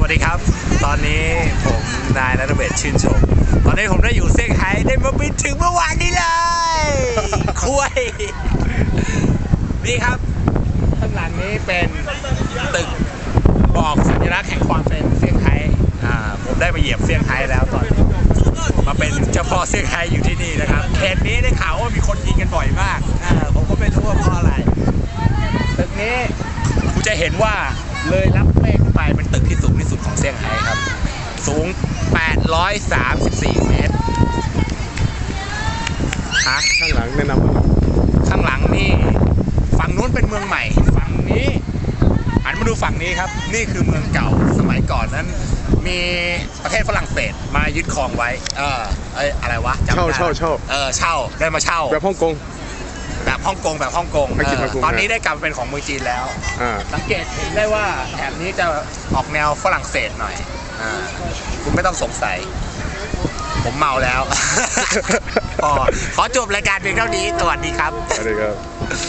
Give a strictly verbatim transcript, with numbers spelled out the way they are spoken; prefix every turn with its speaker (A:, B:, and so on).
A: วัสดีครับตอนนี้ผมนายณัฐเบศรชื่นชมตอนนี้ผมได้อยู่เซี่ยงไฮ้ได้มาบินถึงเมื่อวานนี้เลยคุยนี่ครับข้างหลังนี้เป็นตึกบอกสัญลักษณ์แห่งความเป็นเซี่ยงไฮ้อ่าผมได้มาเหยียบเซี่ยงไฮ้แล้วตอนนี้มาเป็นเจ้าพ่อเซี่ยงไฮ้อยู่ที่นี่นะครับเขตนี้ได้ข่าวว่ามีคนยิงกันบ่อยมากอ่าผมก็ไม่รู้ว่าเพราะอะไรตึกนี้คุณจะเห็นว่าเลยรับเมฆขึ้นไปเป็นตึกที่สูงที่สุดของเซี่ยงไฮ้ครับสูงแปดร้อยสามสิบสี่เมตรฮะ
B: ข้างหลังแนะนำว่า
A: ข้างหลังนี่ฝั่งนู้นเป็นเมืองใหม่ฝั่งนี้หันมาดูฝั่งนี้ครับนี่คือเมืองเก่าสมัยก่อนนั้นมีประเทศฝรั่งเศสมายึดครองไว้เออเอ้ยอะไรวะจำไม่
B: เช่า
A: ได้
B: เช่าเช่า
A: เออเช่าได้มาเช่า
B: แบบฮ่องกง
A: แบบฮ่องกงแบบฮ่องกง
B: ไม่คิด
A: เออ
B: ฮ่องกง
A: ตอนนี้ได้กลับมาเป็นของเมืองจีนแล้ว
B: อ่า
A: สังเกตเห็นได้ว่าแถบนี้จะออกแนวฝรั่งเศสหน่อยอ่าคุณไม่ต้องสงสัยผมเมาแล้ว พอขอจบรายการเพียงเท่านี้สวัสดีครับ
B: สวัสดีครับ